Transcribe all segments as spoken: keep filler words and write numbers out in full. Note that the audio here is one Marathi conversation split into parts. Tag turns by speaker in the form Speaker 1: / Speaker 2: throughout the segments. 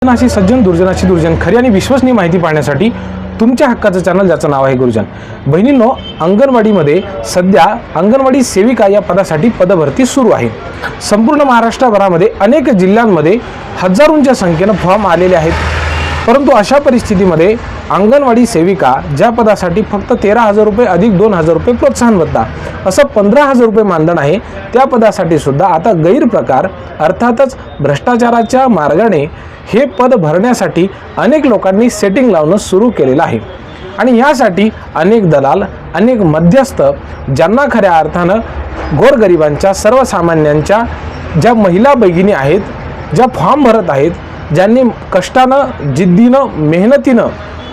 Speaker 1: अशी सज्जन दुर्जनाची दुर्जन खरी आणि विश्वसनीय माहिती पाहण्यासाठी तुमच्या हक्काचं चॅनल ज्याचं नाव आहे गुरुजन. बहिणींनो, अंगणवाडीमध्ये सध्या अंगणवाडी सेविका या पदासाठी पदभरती सुरू आहे. संपूर्ण महाराष्ट्रभरामध्ये अनेक जिल्ह्यांमध्ये हजारोंच्या संख्येनं फॉर्म आलेले आहेत. परंतु अशा परिस्थितीमध्ये अंगणवाडी सेविका ज्या पदासाठी फक्त तेरा हजार रुपये अधिक दोन हजार रुपये प्रोत्साहन भत्ता असं पंधरा हजार रुपये मानधन आहे, त्या पदासाठी सुद्धा आता गैरप्रकार अर्थातच भ्रष्टाचाराच्या मार्गाने हे पद भरण्यासाठी अनेक लोकांनी सेटिंग लावणं सुरू केलेलं आहे. आणि यासाठी अनेक दलाल, अनेक मध्यस्थ ज्यांना खऱ्या अर्थानं गोरगरिबांच्या, सर्वसामान्यांच्या ज्या महिला भगिनी आहेत, ज्या फॉर्म भरत आहेत, ज्यांनी कष्टानं, जिद्दीनं, मेहनतीनं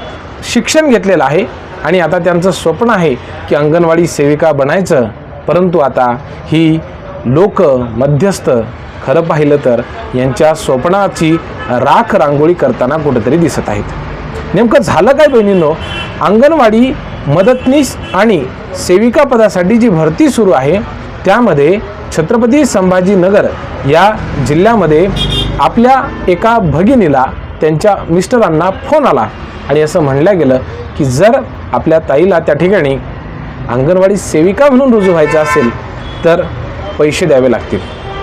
Speaker 1: शिक्षण घेतलेलं आहे आणि आता त्यांचं स्वप्न आहे की अंगणवाडी सेविका बनायचं, परंतु आता ही लोक मध्यस्थ खरं पाहिलं तर यांच्या स्वप्नाची राख रांगोळी करताना कुठेतरी दिसत आहेत. नेमकं झालं काय बहिणींनो? अंगणवाडी मदतनीस आणि सेविका पदासाठी जी भरती सुरू आहे त्यामध्ये छत्रपती संभाजीनगर या जिल्ह्यामध्ये आपल्या एका भगिनीला त्यांच्या मिस्टरांना फोन आला आणि असं म्हणलं गेलं की जर आपल्या ताईला त्या ठिकाणी अंगणवाडी सेविका म्हणून रुजू व्हायचं असेल तर पैसे द्यावे लागतील.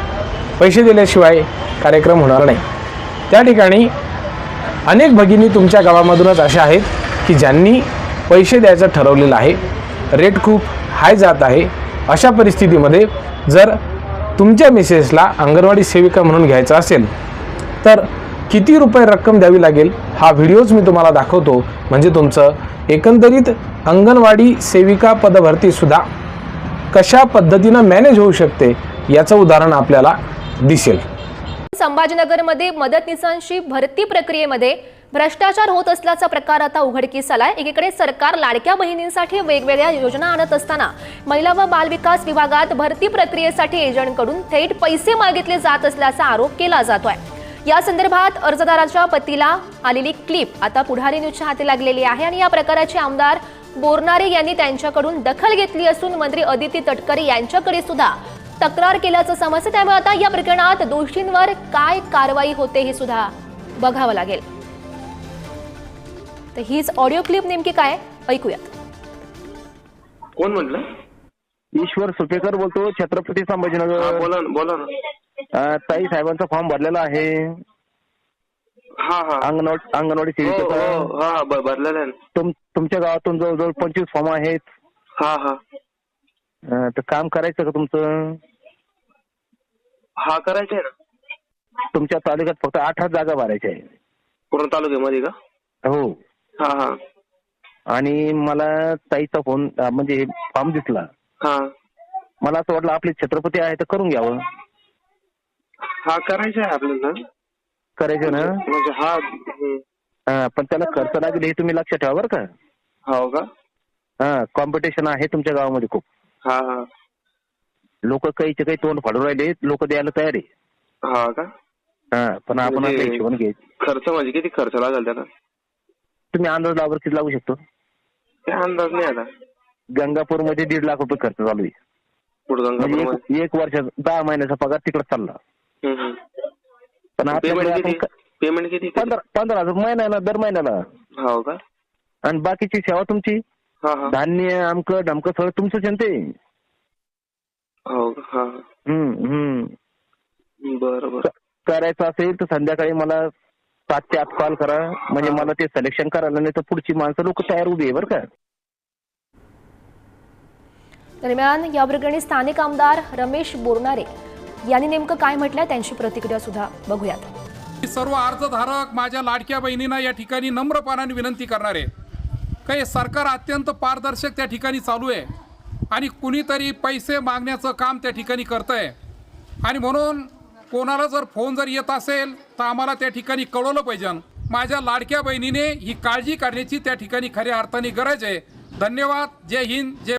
Speaker 1: पैसे दिल्याशिवाय कार्यक्रम होणार नाही. त्या ठिकाणी अनेक भगिनी तुमच्या गावामधूनच अशा आहेत की ज्यांनी पैसे द्यायचं ठरवलेलं आहे. रेट खूप हाय जात आहे. अशा परिस्थितीमध्ये जर तुमच्या मिसेसला अंगणवाडी सेविका म्हणून घ्यायचं असेल तर किती रुपये रक्कम द्यावी लागेल हा व्हिडिओज मी तुम्हाला दाखवतो, म्हणजे तुमचं एकंदरीत अंगणवाडी सेविका पदभरतीसुद्धा कशा पद्धतीनं मॅनेज होऊ शकते याचं उदाहरण आपल्याला दिसेल.
Speaker 2: संभाजीनगरमध्ये मदतनीसांची भरती प्रक्रियेमध्ये भ्रष्टाचार होत असल्याचा प्रकार आता उघडकीस आलाय. एकीकडे सरकार लाडक्या बहिणींसाठी वेगवेगळ्या योजना आणत असताना महिला व बालविकास विभागात भरती प्रक्रियेसाठी एजंटकडून थेट पैसे मागितले जात असल्याचा आरोप केला जातोय. या संदर्भात अर्जदाराच्या पतीला आलेली क्लिप आता पुढारी न्यूजच्या हाती लागलेली आहे आणि या प्रकाराची आमदार बोरनारे यांनी त्यांच्याकडून दखल घेतली असून मंत्री अदिती तटकरे यांच्याकडे सुद्धा तक्रार केल्याचं समजतं. त्यामुळे आता या प्रकरणात दोषींवर काय कारवाई होते हे सुद्धा बघावं लागेल. तर हीच ऑडिओ क्लिप नेमकी काय ऐकूयात.
Speaker 3: कोण म्हटलं?
Speaker 4: ईश्वर सुपेकर बोलतो, छत्रपती संभाजीनगर.
Speaker 3: बोला ना, बोला ना.
Speaker 4: ताई साहेबांचा फॉर्म भरलेला आहे.
Speaker 3: हा हा
Speaker 4: अंगणवाडी अंगणवाडी सेविकेचा.
Speaker 3: हो, हा भरलेला आहे.
Speaker 4: तुम तुमच्या गावातून जवळजवळ पंचवीस फॉर्म आहेत.
Speaker 3: हा हा
Speaker 4: तर काम करायचं का तुमचं?
Speaker 3: हा करायचंय ना.
Speaker 4: तुमच्या तालुक्यात फक्त आठ जागा भरायच्या आहे.
Speaker 3: पूर्ण तालुक्यामध्ये का?
Speaker 4: हो.
Speaker 3: हा हा
Speaker 4: आणि मला ताईचा फोन म्हणजे फॉर्म दिसला.
Speaker 3: हा
Speaker 4: मला असं वाटलं आपले छत्रपती आहे तर करून घ्यावं.
Speaker 3: हा करायचंय आपल्याला.
Speaker 4: करायचं ना?
Speaker 3: म्हणजे हा हम्म.
Speaker 4: हा, पण त्याला खर्च लागेल हे तुम्ही लक्षात ठेवा बरं का.
Speaker 3: हो का?
Speaker 4: हा, कॉम्पिटिशन आहे तुमच्या गावामध्ये खूप.
Speaker 3: हा हा
Speaker 4: लोक काहीचे काही तोंड फाडून राहिले, लोक द्यायला तयार आहे.
Speaker 3: हा का?
Speaker 4: हा, पण आपण
Speaker 3: म्हणजे
Speaker 4: आता हिशोबाने घ्यायचं.
Speaker 3: खर्च म्हणजे किती खर्च लागेल त्याला?
Speaker 4: तुम्ही अंदाज लावर किती लागू शकतो?
Speaker 3: काय अंदाज नाही आता.
Speaker 4: गंगापूर मध्ये दीड लाख रुपये खर्च चालू आहे.
Speaker 3: पुढे
Speaker 4: म्हणजे एक, एक वर्षाचा दहा महिन्याचा पगार तिकडे चालला. पण
Speaker 3: पेमेंट पेमेंट किती?
Speaker 4: पंधरा पंधरा हजार महिन्याला, दर महिन्याला.
Speaker 3: हो का?
Speaker 4: आणि बाकीची सेवा तुमची,
Speaker 3: हा हा
Speaker 4: धान्य आमकं ढमकं सगळं तुमचंच आहे ते.
Speaker 3: हो का? हा
Speaker 4: हम्म हम्म
Speaker 3: बरं बरं.
Speaker 4: करायचं असेल तर संध्याकाळी मला सात ते आठ कॉल करा, म्हणजे मला ते सिलेक्शन करायला, नाही तर पुढची माणसं लोक तयार उभी आहे बरं का.
Speaker 2: दरम्यान या प्रकरणी स्थानिक आमदार रमेश बोरनारे यांनी नेमकं काय म्हटलंय त्यांची प्रतिक्रिया सुद्धा बघूयात.
Speaker 5: सर्व अर्जधारक माझ्या लाडक्या बहिणींना या ठिकाणी नम्रपणाने विनंती करणार आहे काही सरकार अत्यंत पारदर्शक त्या ठिकाणी चालू आहे आणि कुणीतरी पैसे मागण्याचं काम त्या ठिकाणी करतंय. आणि म्हणून कोणाला जर फोन जर येत असेल तर आम्हाला त्या ठिकाणी कळवलं पाहिजे. माझ्या लाडक्या बहिणीने ही काळजी करण्याची त्या ठिकाणी खऱ्या अर्थाने गरज आहे. धन्यवाद. जय हिंद. जय